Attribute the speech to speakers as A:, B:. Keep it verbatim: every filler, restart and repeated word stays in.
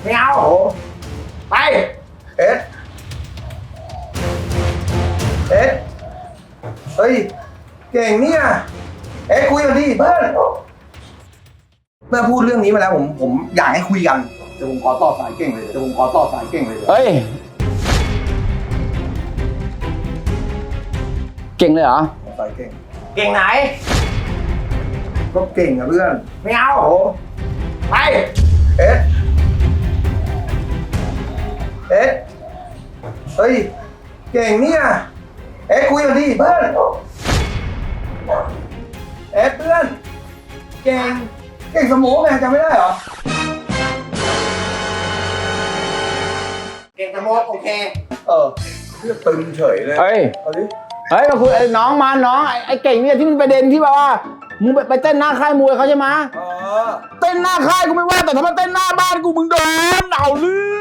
A: ไม่เอาไปเอ็ดเอ็ดเฮ้ยเก่งเนี่ยเอ็ดคุยกันดิเพื่อนเมื่อพูดเรื่องนี้มาแล้วผมผมอยากให้คุยกันเดี๋ยวผมขอต่อสายเก่งเลยเดี๋ยวผมขอต่อสายเก่งเลย
B: เฮ้ยเก่งเลยเหรอ
A: สายเก่ง
C: เก่งไหน
A: ก็เก่งอะเพื่อน
C: ไม่เอาไป
A: เอ็ดเอ็ดเฮ้ยเก่งเนี่ยเอ็ดคุยกันดิเพื่อนเอ็ดเพื่อนเก่งเก่งสมองไงจำไม่ได้เหรอ
C: เก่งสมมโอเค
A: เออเพื่อนตึงเฉยเลย
B: เฮ้ย
A: เอาดิ
B: เฮ้ยมาคุยไอ้น้องมาน้องไอ้ไอ้เก่งเนี่ยที่มันประเด็นที่แบบว่ามึงไปไปเต้นหน้าค่ายมวยเขาใช่ไหม
A: เออ
B: เต้นหน้าค่ายกูไม่ว่าแต่ถ้ามาเต้นหน้าบ้านกูมึงโดนเอาเรื่